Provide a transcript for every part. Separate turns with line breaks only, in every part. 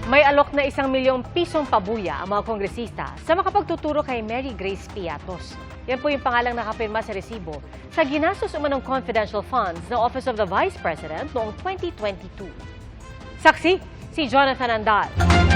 May alok na 1 milyong pisong pabuya ang mga kongresista sa makapagtuturo kay Mary Grace Piatos. Yan po yung pangalang nakapirma sa resibo sa ginastos umanong confidential funds ng Office of the Vice President noong 2022. Saksi, si Jonathan Andal.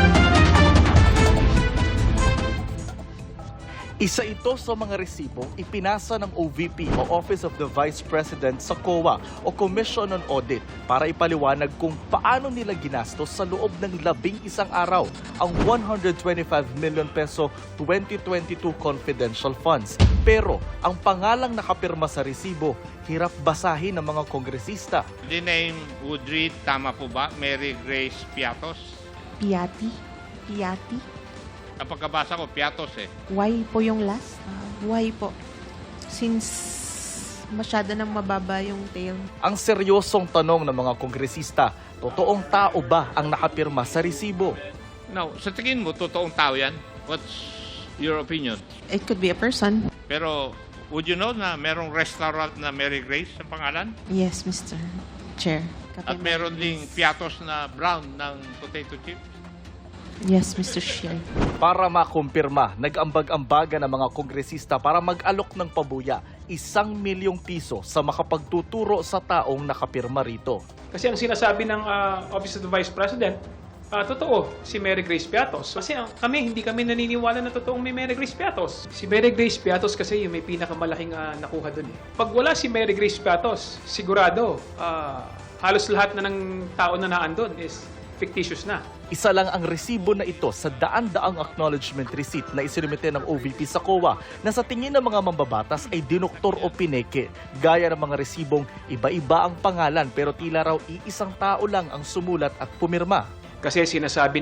Isa ito sa mga resibong ipinasa ng OVP o Office of the Vice President sa COA o Commission on Audit para ipaliwanag kung paano nila ginastos sa loob ng 11 araw ang 125 million peso 2022 confidential funds. Pero ang pangalang nakapirma sa resibo, hirap basahin ng mga kongresista.
The name would read, tama po ba, Mary Grace Piatos?
Piati?
Ang pagkabasa ko, Piatos eh.
Why po yung last? Why po? Since masyado nang mababa yung tail.
Ang seryosong tanong ng mga kongresista, totoong tao ba ang nakapirma sa resibo?
Now, sa tingin mo, totoong tao yan? What's your opinion?
It could be a person.
Pero, would you know na merong restaurant na Mary Grace sa pangalan?
Yes, Mr. Chair.
At meron ding Piatos na brown ng potato chip?
Yes, Mr. Chair.
Para makumpirma, nag-ambag-ambaga ng mga kongresista para mag-alok ng pabuya 1 milyong piso sa makapagtuturo sa taong nakapirma rito.
Kasi ang sinasabi ng Office of the Vice President, totoo, si Mary Grace Piatos. Kasi hindi kami naniniwala na totoong may Mary Grace Piatos. Si Mary Grace Piatos kasi yung may pinakamalaking nakuha dun eh. Pag wala si Mary Grace Piatos, sigurado, halos lahat na ng tao na naandun is fictitious na.
Isa lang ang resibo na ito sa daan-daang acknowledgement receipt na isinumite ng OVP sa COA na sa tingin ng mga mambabatas ay dinoktor o pineke. Gaya ng mga resibong iba-iba ang pangalan pero tila raw iisang tao lang ang sumulat at pumirma.
Kasi sinasabi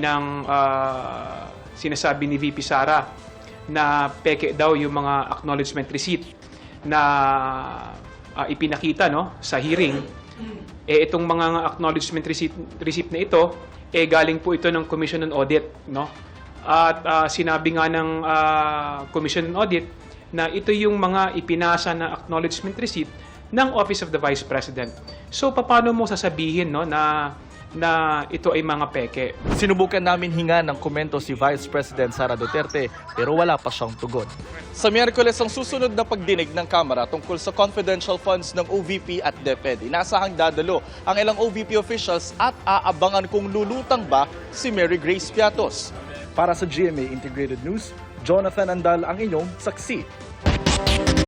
ni VP Sara na peke daw yung mga acknowledgement receipt na ipinakita sa hearing. Itong mga acknowledgement receipt na ito, galing po ito ng Commission on Audit. At sinabi nga ng Commission on Audit na ito yung mga ipinasa na acknowledgement receipt ng Office of the Vice President. So, paano mo sasabihin na ito ay mga peke?
Sinubukan namin hinga ng komento si Vice President Sara Duterte pero wala pa siyang tugon. Sa Miyerkules ang susunod na pagdinig ng Kamara tungkol sa confidential funds ng OVP at DepEd. Inasahang dadalo ang ilang OVP officials at aabangan kung lulutang ba si Mary Grace Piatos.
Para sa GMA Integrated News, Jonathan Andal ang inyong saksi.